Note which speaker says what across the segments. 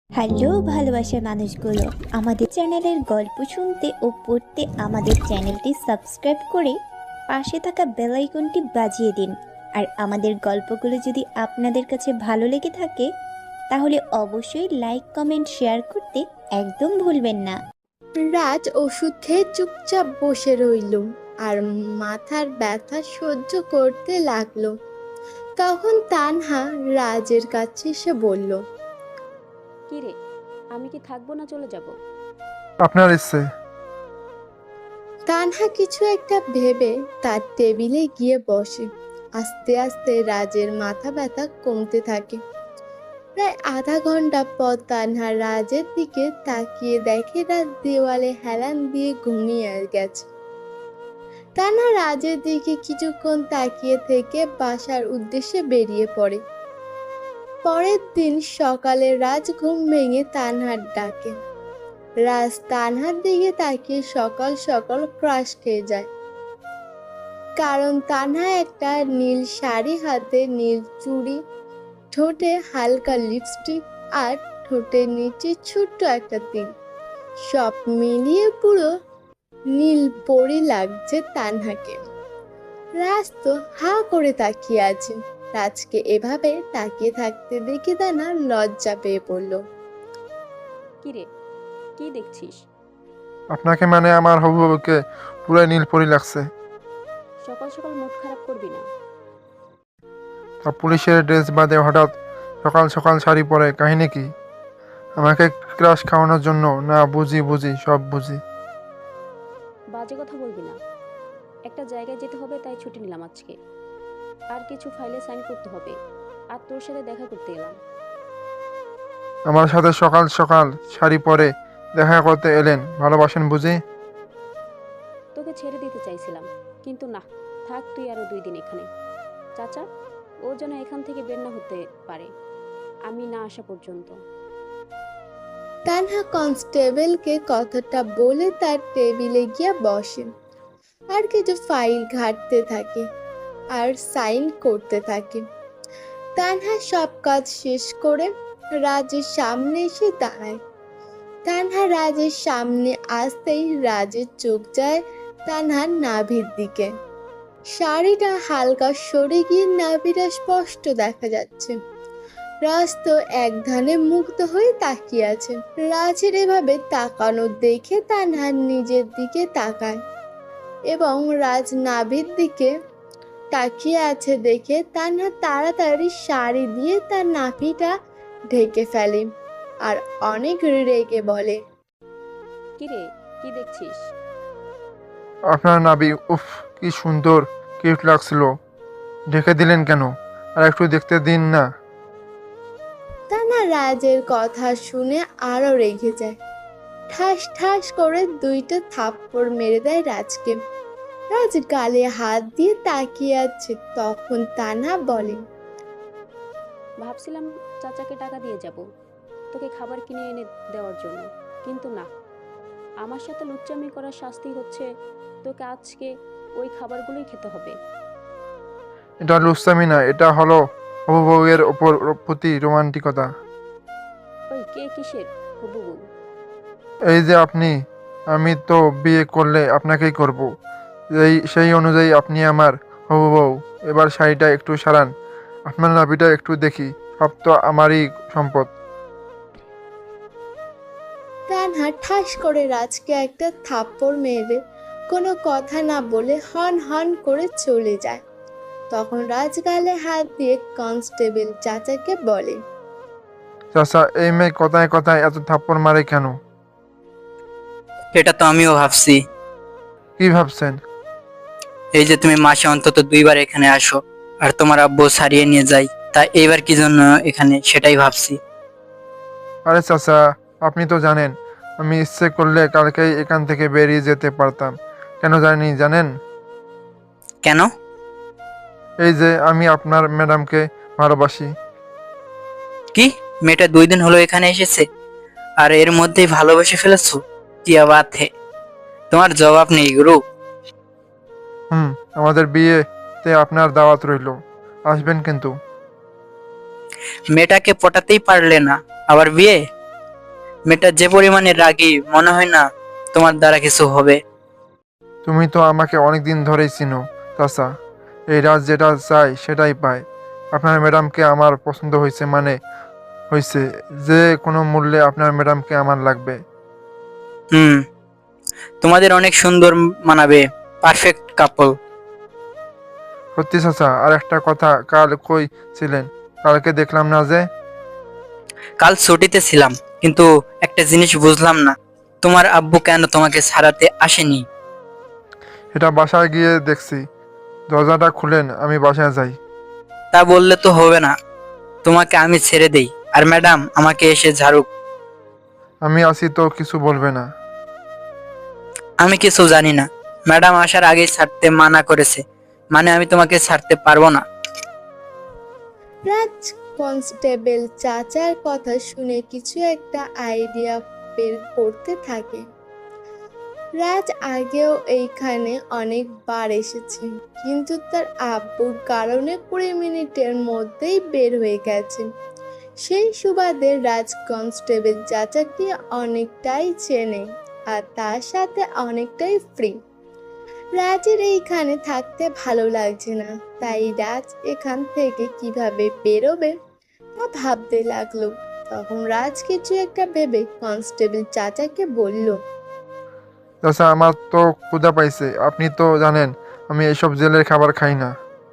Speaker 1: Hello ভালোবাসার মানুষগুলো, আমাদের চ্যানেলের গল্প শুনতে ও পড়তে আমাদের চ্যানেলটি সাবস্ক্রাইব করে পাশে থাকা বেল আইকনটি বাজিয়ে দিন। আর আমাদের গল্পগুলো যদি আপনাদের কাছে ভালো লেগে থাকে তাহলে অবশ্যই লাইক কমেন্ট শেয়ার করতে একদম ভুলবেন না।
Speaker 2: রাজ ওষুধ খেয়ে চুপচাপ বসে রইল আর মাথার ব্যথা সহ্য করতে লাগলো। তখন তানহা রাজের কাছে এসে বলল,
Speaker 3: কি রে, আমি কি থাকবো না চলে যাব?
Speaker 4: আপনার ইচ্ছে।
Speaker 2: তানহা কিছু একটা ভেবে তার টেবিলে গিয়ে বসে। আস্তে আস্তে রাজের মাথা ব্যথা কমতে থাকে। প্রায় আধা ঘন্টা পর তানহা রাজের দিকে তাকিয়ে দেখে রাজ দেওয়ালে হেলান দিয়ে ঘুমিয়ে গেছে। তানহা রাজের দিকে কিছুক্ষণ তাকিয়ে থেকে বাসার উদ্দেশ্যে বেরিয়ে পড়ে। পরের দিন সকালে রাজ ঘুম ভেঙে তানহার ডাকে। রাজ তানহার দিকে তাকিয়ে সকাল সকাল ক্রাশ খেয়ে যায়, কারণ তানহা একটা নীল শাড়ি হাতে, নীল চুড়ি, ঠোঁটে হালকা লিপস্টিক আর ঠোঁটের নিচে ছোট্ট একটা তিল, সব মিলিয়ে পুরো নীল পরি লাগছে তানহাকে। রাজ তো হা করে তাকিয়ে আছে। রাজকে এভাবে তাকিয়ে থাকতে দেখে তানহা লজ্জা পেয়ে পড়ল।
Speaker 3: কি রে, কি দেখছিস?
Speaker 4: আপনাকে মানে আমার হবু বউকে পুরো নীলপরি লাগছে।
Speaker 3: সকাল সকাল মুড খারাপ করবি না।
Speaker 4: তা পুলিশের ড্রেস বাদে হঠাৎ সকাল সকাল শাড়ি পরে কাহিনী কি? আমাকে ক্রাশ খাওয়ানোর জন্য? না, বুঝি বুঝি, সব বুঝি।
Speaker 3: বাজে কথা বলবি না। একটা জায়গায় যেতে হবে তাই ছুটি নিলাম আজকে। আর কিছু ফাইলে সাইন করতে হবে। আর তোর সাথে দেখা করতে এলাম।
Speaker 4: আমার সাথে সকাল সকাল শাড়ি পরে দেখা করতে এলেন? ভালোবাসেন বুঝি?
Speaker 3: তোকে ছেড়ে দিতে চাইছিলাম, কিন্তু না, থাক তুই আরো 2 দিন এখানে। চাচা, ও যেন এখান থেকে বের না হতে পারে আমি না আসা পর্যন্ত।
Speaker 2: তানহা কনস্টেবলকে কথাটা বলে তার টেবিলে গিয়ে বসে আর কিছু ফাইল ঘাঁটতে থাকে আর সাইন করতে থাকে। তানহা সব কাজ শেষ করে রাজের সামনে এসে দাঁড়ায়। তানহা রাজের সামনে আসতেই রাজের চোখ যায় তানহার নাভির দিকে। শাড়িটা হালকা সরে গিয়ে নাভিটা স্পষ্ট দেখা যাচ্ছে। রাজ তো এক ধ্যানে মুগ্ধ হয়ে তাকিয়ে আছে। রাজের এভাবে তাকানো দেখে তানহা নিজের দিকে তাকায় এবং রাজ নাভির দিকে তাকিয়ে আছে দেখে তানহা তাড়াতাড়ি শাড়ি দিয়ে তার নাভিটা ঢেকে ফেলে আর অনেক রেগে বলে,
Speaker 3: কি রে, কি দেখছিস?
Speaker 4: আপনার নাবি, উফ কি সুন্দর, কিউট লাগছিল। ঢেকে দিলেন কেন? আর একটু দেখতে দিন না।
Speaker 2: তানহা রাজের কথা শুনে আরো রেগে যায়। ঠাস ঠাস করে 2টা থাপ্পড় মেরে দেয় রাজকে। রাজ গালে হাত দিয়ে তাকিয়ে আছে। তখন তানহা বলে,
Speaker 3: ভাবছিলাম চাচাকে টাকা দিয়ে যাব তোকে খাবার কিনে এনে দেওয়ার জন্য, কিন্তু না, আমার সাথে লুচ্চামি করার শাস্তি হচ্ছে তোকে আজকে ওই খাবারগুলোই খেতে হবে।
Speaker 4: এটা লুচ্চামি না, এটা হলো হবু বউয়ের ওপর প্রতি রোমান্টিকতা।
Speaker 3: ওই কে কিসের হবু বউ?
Speaker 4: এই যে আপনি, আমি তো বিয়ে করলে আপনাকেই করব। সেই অনুযায়ী আপনি আমার হবু বউ। এবার শাড়িটা একটু সারান, আপনার নাভিটা একটু দেখি, সব তো আমারই সম্পদ।
Speaker 2: তানহা ঠাস করে রাজকে একটা থাপ্পড় মেরে কোনো কথা না বলে হন হন করে চলে যায়। তখন রাজ গালে হাত দিয়ে কনস্টেবল চাচাকে বলে,
Speaker 4: চাচা, এই মেয়ে কথায় কথায় এত থাপ্পড় মারে কেন?
Speaker 5: এটা তো আমিও ভাবছি।
Speaker 4: কি ভাবছেন?
Speaker 5: এই যে তুমি মাসে অন্তত 2বার এখানে আসো আর তোমার আব্বু ছাড়িয়ে নিয়ে যায়, তা এইবার কি জন্য এখানে সেটাই ভাবছি।
Speaker 4: আরে চাচা, আপনি তো জানেন আমি ইচ্ছে করলে কালকেই এখান থেকে বেরিয়ে যেতে পারতাম। কেন জানেন?
Speaker 5: কেন?
Speaker 4: এই যে আমি আপনার ম্যাডামকে ভালোবাসি।
Speaker 5: কি, মেয়েটা 2 দিন হলো এখানে এসেছে আর এর মধ্যেই ভালোবেসে ফেলেছো? কি বাত হে, তোমার জবাব নেই গুরু।
Speaker 4: আমাদের বিয়েতে আপনার দাওয়াত রইল, আসবেন কিন্তু।
Speaker 5: মেয়েটাকে পটাতেই পারলে না, আবার বিয়ে? মেয়েটা যে পরিমাণে রাগী, মনে হয় না তোমার দ্বারা কিছু হবে।
Speaker 4: তুমি তো আমাকে অনেক দিন ধরেই চিনো চাচা, এই রাজ যেটা চাই সেটাই পায়। আপনার ম্যাডামকে আমার পছন্দ হয়েছে মানে হয়েছে, যে কোনো মূল্যে আপনার ম্যাডামকে আমার লাগবে।
Speaker 5: হুম, তোমাদের অনেক সুন্দর মানাবে, পারফেক্ট কাপল।
Speaker 4: সত্যি চাচা, আর একটা কথা, কাল কই ছিলেন? কালকে দেখলাম না যে।
Speaker 5: কাল ছুটিতে ছিলাম, কিন্তু একটা জিনিস বুঝলাম না, তোমার আব্বু কেন তোমাকে ছাড়াতে আসেনি?
Speaker 4: এটা বাসায় গিয়ে দেখছি। দরজাটা খুলেন, আমি বাসায় যাই।
Speaker 5: তা বললে তো হবে না, তোমাকে আমি ছেড়ে দেই আর ম্যাডাম আমাকে এসে ঝাড়ুক।
Speaker 4: আমি আছি তো, কিছু বলবে না?
Speaker 5: আমি কিছু জানি না, ম্যাডাম আসার আগেই ছাড়তে মানা করেছে, মানে আমি তোমাকে ছাড়তে পারবো না।
Speaker 2: রাজ কনস্টেবল চাচার কথা শুনে কিছু একটা আইডিয়া বের করতে থাকে। রাজ আগেও এইখানে অনেকবার এসেছে, কিন্তু তার আব্বুর কারণে 20 মিনিটের মধ্যেই বের হয়ে গেছে। সেই সুবাদে রাজ কনস্টেবল চাচাকে অনেকটাই চেনে আর তার সাথে অনেকটাই ফ্রি। রাজের এইখানে থাকতে ভালো লাগছে না, তাই রাজ এখান থেকে কিভাবে বেরোবে তা ভাবতে লাগলো। তখন রাজ কিছু একটা ভেবে কনস্টেবল চাচাকে বলল,
Speaker 4: চাচা, আমার তো ক্ষুধা পাইছে। আপনি তো জানেন আমি এইসব জেলের খাবার খাই না।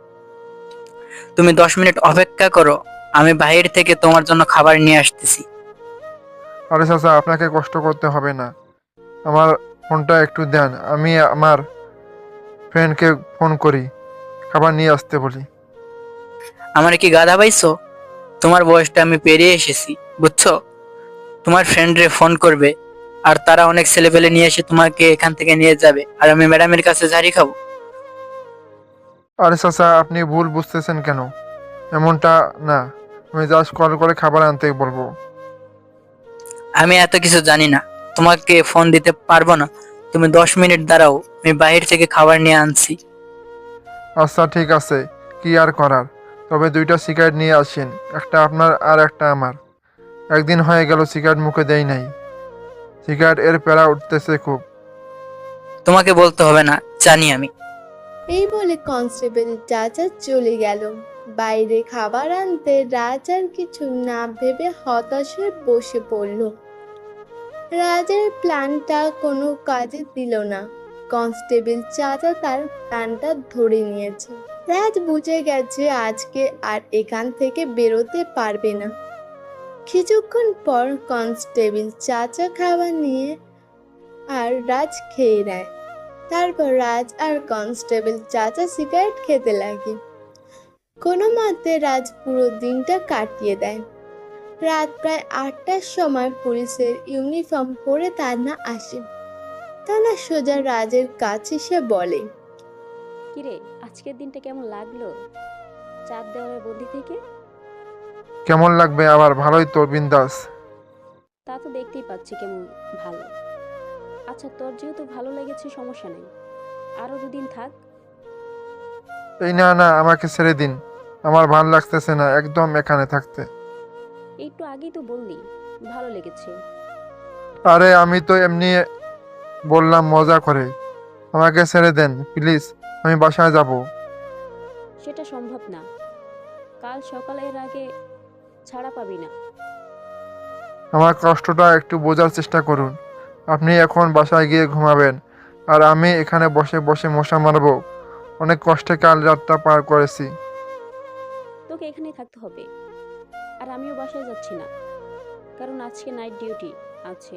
Speaker 5: তুমি 10 মিনিট অপেক্ষা করো, আমি বাইরে থেকে তোমার জন্য খাবার নিয়ে আসতেছি।
Speaker 4: আরে চাচা, আপনাকে কষ্ট করতে হবে না। আমার ফোনটা একটু দেন, আমি আমার ফ্রেন্ডকে ফোন করি, খাবার নিয়ে আসতে বলি।
Speaker 5: আমার কি গাধা পাইছো? তোমার বয়সটা আমি পেরিয়ে এসেছি, বুঝছো? তোমার ফ্রেন্ডরে ফোন করবে, আর তারা অনেক ছেলেপেলে নিয়ে এসে তোমাকে এখান থেকে নিয়ে যাবে, আর আমি ম্যাডামের কাছে ঝাড়ি খাবো।
Speaker 4: আরে চাচা, আপনি ভুল বুঝতেছেন কেন? এমনটা না, আমি জাস্ট কল করে খাবার আনতে বলবো।
Speaker 5: আমি এত কিছু জানি না, তোমাকে ফোন দিতে পারবো না। তুমি 10 মিনিট দাঁড়াও, আমি বাইরে থেকে খাবার নিয়ে আনছি।
Speaker 4: আচ্ছা ঠিক আছে, কি আর করার। তবে 2টা সিগারেট নিয়ে আসেন, একটা আপনার আর একটা আমার। একদিন হয়ে গেল সিগারেট মুখে দেই নাই। সিগারেট এর প্যারা উঠতেছে খুব।
Speaker 5: তোমাকে বলতে হবে না, জানি আমি।
Speaker 2: এই বলে কনস্টেবল চাচা চলে গেল। বাইরে খাবার আনতে রাজ আর কিছু না ভেবে হতাশ হয়ে বসে পড়ল। রাজের প্ল্যানটা কোনো কাজে দিল না। কনস্টেবল চাচা তার প্ল্যানটা ধরে নিয়েছে। রাজ বুঝে গেছে আজকে আর এখান থেকে বেরোতে পারবে না। কিছুক্ষণ পর কনস্টেবল চাচা খাবার নিয়ে আর রাজ খেয়ে নেয়। তারপর রাজ আর কনস্টেবল চাচা সিগারেট খেতে লাগে। কোনো মতে রাজ পুরো দিনটা কাটিয়ে দেয়। রাত প্রায় 8টার সময় পুলিশের ইউনিফর্ম পরে তান্না আসে। তান্না সোজা রাজের কাছে সে বলে,
Speaker 3: কিরে, আজকের দিনটা কেমন লাগলো চাঁদ দেওয়ার বন্দি থেকে?
Speaker 4: কেমন লাগবে আবার, ভালোই তো, বিন্দাস।
Speaker 3: তা তো দেখতেই পাচ্ছি কেমন ভালো। আচ্ছা, তোর যেহেতু ভালো লেগেছে সমস্যা নেই, আরো 2 দিন থাক।
Speaker 4: এই না না, আমাকে ছেড়ে দিন। আমার ভাল লাগতেছে না একদম এখানে থাকতে।
Speaker 3: একটু আগেই তো বললি ভালো লেগেছে।
Speaker 4: আরে আমি তো এমনি বললাম মজা করে। আমাকে ছেড়ে দেন প্লিজ, আমি বাসায় যাব।
Speaker 3: সেটা সম্ভব না, কাল সকালের আগে ছাড়া পাবি না।
Speaker 4: আমার কষ্টটা একটু বোঝার চেষ্টা করুন। আপনি এখন বাসায় গিয়ে ঘুমাবেন, আর আমি এখানে বসে বসে মশা মারবো। অনেক কষ্টে কাল রাতটা পার করেছি।
Speaker 3: তোকে এখানেই থাকতে হবে, আর আমিও বাসায় যাচ্ছি না, কারণ আজকে নাইট ডিউটি আছে।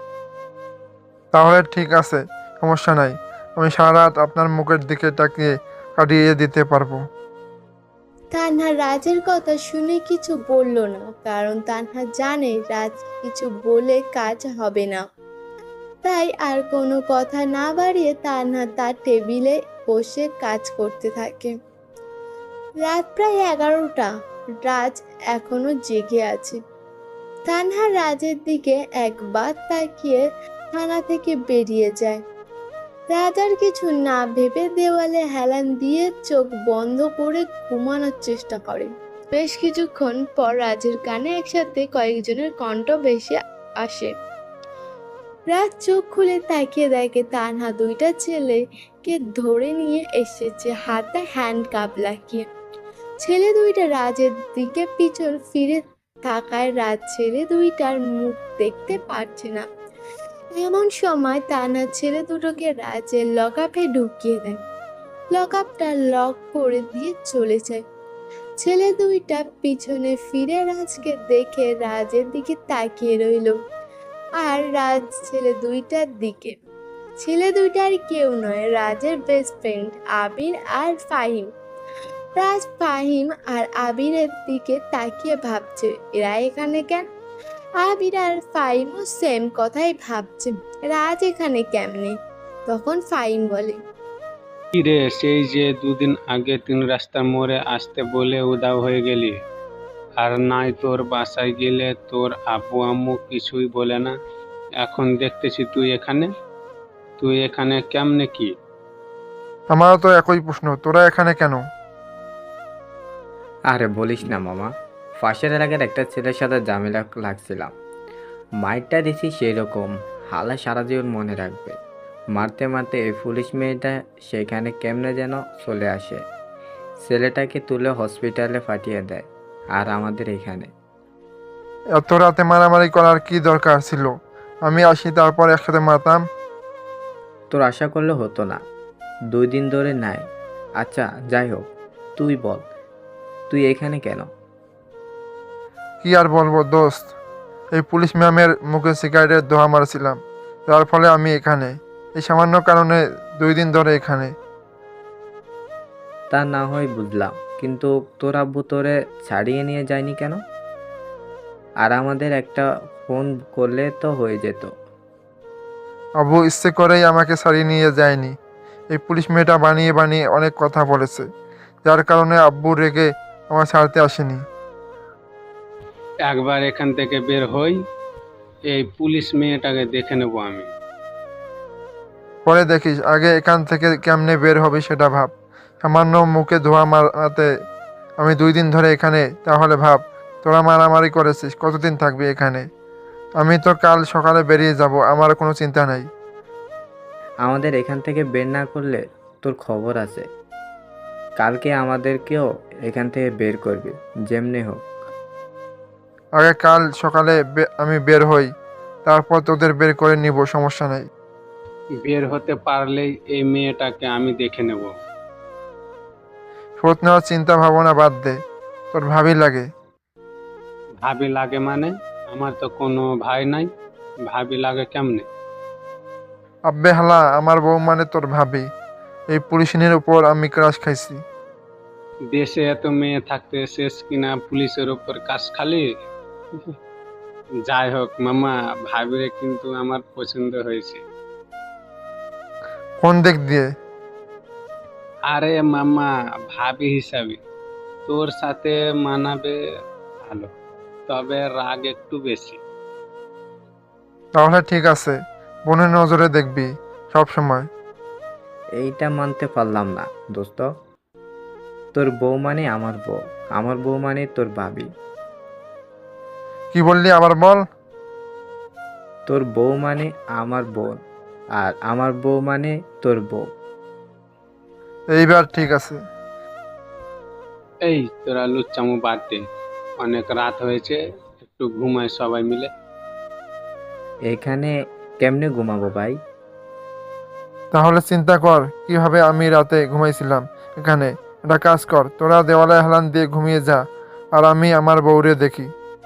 Speaker 4: তাহলে ঠিক আছে, সমস্যা নাই। আমি সারা রাত আপনার মুখের দিকে তাকিয়ে কাটিয়ে দিতে পারবো।
Speaker 2: তান্হা রাজের কথা শুনে কিছু বলল না, কারণ তান্হা জানে রাজ কিছু বলে কাজ হবে না। তাই আর কোনো কথা না বাড়িয়ে তান্হা তার টেবিলে বসে কাজ করতে থাকে। রাত প্রায় 11টা। রাজ এখনো জেগে আছে। তানহা রাজের দিকে একবার তাকিয়ে থানা থেকে বেরিয়ে যায়। রাজ আর কিছু না ভেবে দেওয়ালে হেলান দিয়ে চোখ বন্ধ করে ঘুমানোর চেষ্টা করে। বেশ কিছুক্ষণ পর রাজের কানে একসাথে কয়েকজনের কণ্ঠ ভেসে আসে। রাজ চোখ খুলে তাকিয়ে দেখে তানহা দুইটা ছেলেকে ধরে নিয়ে এসেছে হাতে হ্যান্ড কাপ লাগিয়ে। ছেলে দুইটা রাজের দিকে পিছন ফিরে থাকায় রাজ ছেলে দুইটার মুখ দেখতে পারছে না। এমন সময় তানহা ছেলে দুটোকে রাজের লকআপে ঢুকিয়ে দেয়। লকআপটা লক করে দিয়ে চলে যায়। ছেলে দুইটা পিছনে ফিরে রাজকে দেখে রাজের দিকে তাকিয়ে রইল, আর রাজ ছেলে দুইটার দিকে। ছেলে দুইটা আর কেউ নয়, রাজের বেস্ট ফ্রেন্ড আবির আর ফাহিম। রাজ ফাহিম আর আবিরের দিকে তাকিয়ে ভাবছে, এরা এখানে কেন? আবির আর ফাহিমও সেম কথাই ভাবছে, রাজ এখানে কেমনে? তখন ফাহিম বলে,
Speaker 6: কিরে, সেই যে দুদিন আগে 3 রাস্তার মোড়ে আসতে বলে উধাও হয়ে গেলি, আর নাই তোর বাসায় গেলে তোর আব্বু আম্মু কিছুই বলে না, এখন দেখতেছি তুই এখানে কেমনে কি?
Speaker 4: আমারও তো একই প্রশ্ন, তোরা এখানে কেন?
Speaker 7: আরে বলিস না মামা, ফাঁসের এলাকার একটা ছেলের সাথে ঝামেলা লাগছিলাম। মাইরটা দিছি সেই রকম, হালা সারা জীবন মনে রাখবে। মারতে মারতে এই পুলিশ মেয়েটা সেখানে কেমনে যেন চলে আসে, ছেলেটাকে তুলে হসপিটালে পাঠিয়ে দেয়, আর আমাদের এখানে।
Speaker 4: এত রাতে মারামারি করার কি দরকার ছিল? আমি আসি তারপর একসাথে মারতাম।
Speaker 7: তোর আশা করলে হতো না, 2 দিন ধরে নাই। আচ্ছা যাই হোক, তুই বল, তুই এখানে কেন?
Speaker 4: কি আর বলবো দোস্ত, এই পুলিশ ম্যামের মুখে সিগারেটের ধোঁয়া মারছিলাম, যার ফলে আমি এখানে। এই সামান্য কারণে 2 দিন ধরে এখানে।
Speaker 7: তা না হয় বুঝলাম, কিন্তু তোর আব্বু তোরে ছাড়িয়ে নিয়ে যায়নি কেন? আর আমাদের একটা ফোন করলে তো হয়ে যেত।
Speaker 4: আবু ইচ্ছে করেই আমাকে ছাড়িয়ে নিয়ে যায়নি। এই পুলিশ মেয়েটা বানিয়ে বানিয়ে অনেক কথা বলেছে, যার কারণে আব্বু রেগে আমার ছাড়তে আসেনি।
Speaker 6: একবার এখান থেকে বের হই, এই পুলিশ মেয়েটাকে দেখে নেবো আমি।
Speaker 4: পরে দেখিস, আগে এখান থেকে কেমনে বের হবে সেটা ভাব। সামান্য মুখে ধোঁয়া মারাতে আমি 2 দিন ধরে এখানে, তাহলে ভাব তোরা মারামারি করেছিস, কতদিন থাকবি এখানে? আমি তো কাল সকালে বেরিয়ে যাব, আমার কোনো চিন্তা নাই।
Speaker 7: আমাদের এখান থেকে বের না করলে তোর খবর আছে, কালকে আমাদেরকেও এখান থেকে বের করবে যেমনি হোক।
Speaker 4: আগে কাল সকালে আমি বের হই, তারপর তোদের বের করে নিব, সমস্যা নাই।
Speaker 6: বের হতে পারলেই এই মেয়েটাকে আমি দেখে নেব।
Speaker 4: শোধ নেওয়ার চিন্তা ভাবনা বাদ দে, তোর ভাবি লাগে।
Speaker 6: ভাবি লাগে মানে? আমার তো কোনো ভাই নাই, ভাবি লাগে কেমনে?
Speaker 4: আব্বে হালা, আমার বউ মানে তোর ভাবি। এই পুলিশিনের উপর আমি ক্রাশ খাইছি।
Speaker 6: দেশে এত মেয়ে থাকতে শেষ কিনা পুলিশের উপর কাজ খালি? যাই হোক মামা, ভাবিরে কিন্তু আমার পছন্দ হয়েছে।
Speaker 4: কোন দিক দিয়ে?
Speaker 6: আরে মামা, ভাবি হিসাবে তোর সাথে মানাবে ভালো, তবে রাগ একটু বেশি।
Speaker 4: তাহলে ঠিক আছে, বোনের নজরে দেখবি সব সময়।
Speaker 7: এইটা মানতে পারলাম না দোস্ত, তোর বউ মানে আমার বউ, আমার বউ মানে তোর ভাবি।
Speaker 4: কি বললি আবার বল?
Speaker 7: তোর বউ মানে আমার বোন, আর আমার বউ মানে তোর বউ।
Speaker 4: এইবার ঠিক আছে।
Speaker 6: এই তোরা লুচ্চামু বাদ দে, অনেক রাত হয়েছে, একটু ঘুমায় সবাই মিলে।
Speaker 7: এখানে কেমনে ঘুমাবো ভাই?
Speaker 4: তাহলে চিন্তা কর কিভাবে আমি রাতে ঘুমাইছিলাম এখানে। একটা কাজ কর, তোরা দেওয়ালে হেলান দিয়ে ঘুমিয়ে যা, আর আমি আমার বউরে দেখি।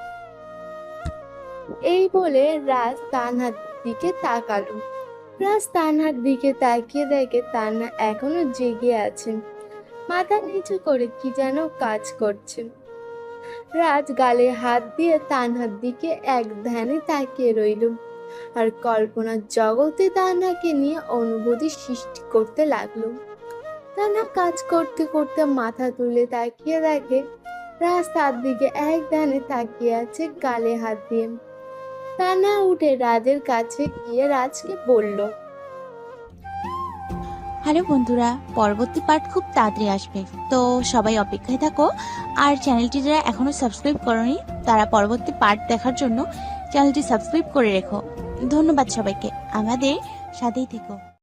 Speaker 2: এই বলে রাজ তানহার দিকে তাকালো। রাজ তানহার দিকে তাকিয়ে দেখে তানহা এখনো জেগে আছে, মাথা নিচু করে কি যেন কাজ করছে। রাজ গালে হাত দিয়ে তানহার দিকে এক ধ্যানে তাকিয়ে রইল, আর কল্পনার জগতে তানহাকে নিয়ে অনুভূতি সৃষ্টি করতে লাগলো। তানহা কাজ করতে করতে মাথা তুলে তাকিয়ে দেখে রাজ তার দিকে এক ধ্যানে তাকিয়ে আছে গালে হাত দিয়ে। তানহা উঠে রাজের কাছে গিয়ে রাজকে বলল,
Speaker 8: হ্যালো বন্ধুরা, পরবর্তী পার্ট খুব তাড়াতাড়ি আসবে, তো সবাই অপেক্ষায় থাকো। আর চ্যানেলটি যারা এখনো সাবস্ক্রাইব করনি তারা পরবর্তী পার্ট দেখার জন্য চ্যানেলটি সাবস্ক্রাইব করে রেখো। ধন্যবাদ সবাইকে, আমাদের সাথেই থেকো।